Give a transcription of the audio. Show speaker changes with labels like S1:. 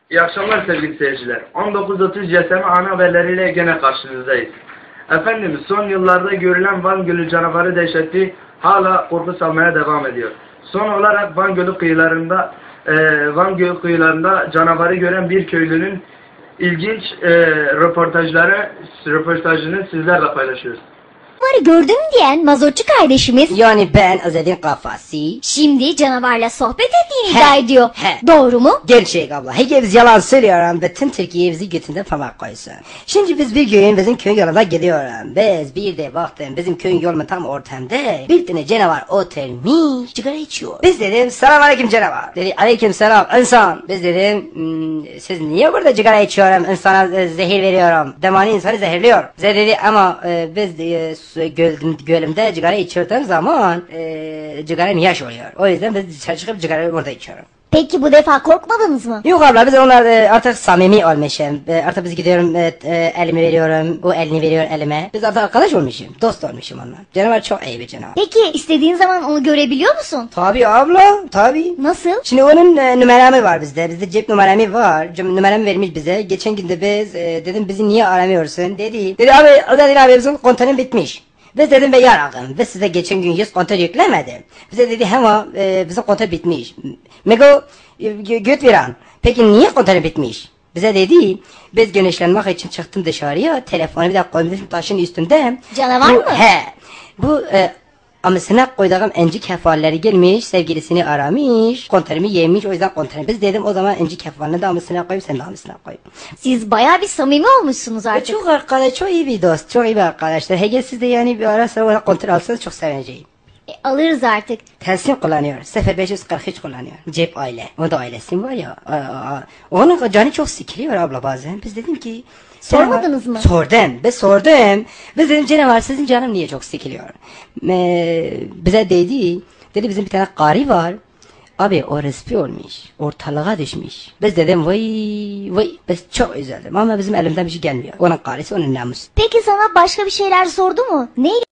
S1: İyi akşamlar sevgili seyirciler. 19.30 CSM ana haberleriyle gene karşınızdayız. Efendimiz son yıllarda görülen Van Gölü canavarı dehşeti hala korku salmaya devam ediyor. Son olarak Van Gölü kıyılarında canavarı gören bir köylünün ilginç röportajını sizlerle paylaşıyoruz.
S2: Canavarı gördüm diyen mazotçu kardeşimiz
S3: Yani ben Azad'ın kafası.
S2: şimdi canavarla sohbet ettiğini iddia ediyor. Doğru mu?
S3: Gerçek abla. Hepimiz yalan söylüyorum ve tüm Türkiye bizi götünden parmak koysun. Şimdi biz bir gün bizim köyün yolunda gidiyorum. Biz bir de baktım bizim köyün yolunun tam ortamda bir tane canavar oturmuş sigara içiyor. Biz dedim selamünaleyküm canavar. Dedi aleyküm selam insan. Biz dedim siz niye burada sigara içiyorum insana zehir veriyorum. Demani insanı zehirliyor. Bize dedi ama biz gölümde sigara içirdiğim zaman sigaram yaş oluyor. O yüzden biz dışarı çıkıp sigarayı orada içiyorum.
S2: Peki bu defa korkmadınız mı?
S3: Yok abla biz onlar artık samimi olmuşum. Artık biz gidiyorum elimi veriyorum. O elini veriyor elime. Biz artık arkadaş olmuşum. Dost olmuşum onlar. Canavar çok iyi bir canavar.
S2: Peki istediğin zaman onu görebiliyor musun?
S3: Tabii abla tabii.
S2: Nasıl?
S3: Şimdi onun numaramı var bizde. Bizde cep numaramı var. Numaramı vermiş bize. Geçen günde biz dedim bizi niye aramıyorsun dedi. Dedi abi bizim kontanın bitmiş. Biz dedim be yaragım. Biz size geçen gün 100 konter yüklemedim. Bize dedi ama bizim konter bitmiş. Mego göt veren. Peki niye konter bitmiş? Bize dedi biz güneşlenmek için çıktım dışarıya. Telefonu bir de koymuşum taşın üstünde.
S2: Canavar mı?
S3: He. Bu amasına koyduğum enci kefalleri gelmiş, sevgilisini aramış, konterimi yemiş, o yüzden konterimi. Biz dedim o zaman enci kefalini de amasına koyup sen de amasına koy.
S2: Siz bayağı bir samimi olmuşsunuz artık.
S3: Çok arkadaş, çok iyi bir dost, çok iyi bir arkadaşlar. Hege siz de yani bir ara sıra ona konter alsanız çok sevineceğim.
S2: Alırız artık.
S3: Telsin kullanıyor, 0543 kullanıyor. Cep aile, o da ailesi var ya. Onun canı çok sıkılıyor abla bazen. Biz dedim ki...
S2: Sormadınız mı?
S3: Sordum. Biz dedim canavar sizin canım niye çok sıkılıyor? Bize dedi bizim bir tane karı var. Abi o respi olmuş. Ortalığa düşmüş. Biz dedim vay biz çok üzüldüm ama bizim elimden bir şey gelmiyor. Onun karısı onun namusu.
S2: Peki sana başka bir şeyler sordu mu? Neyle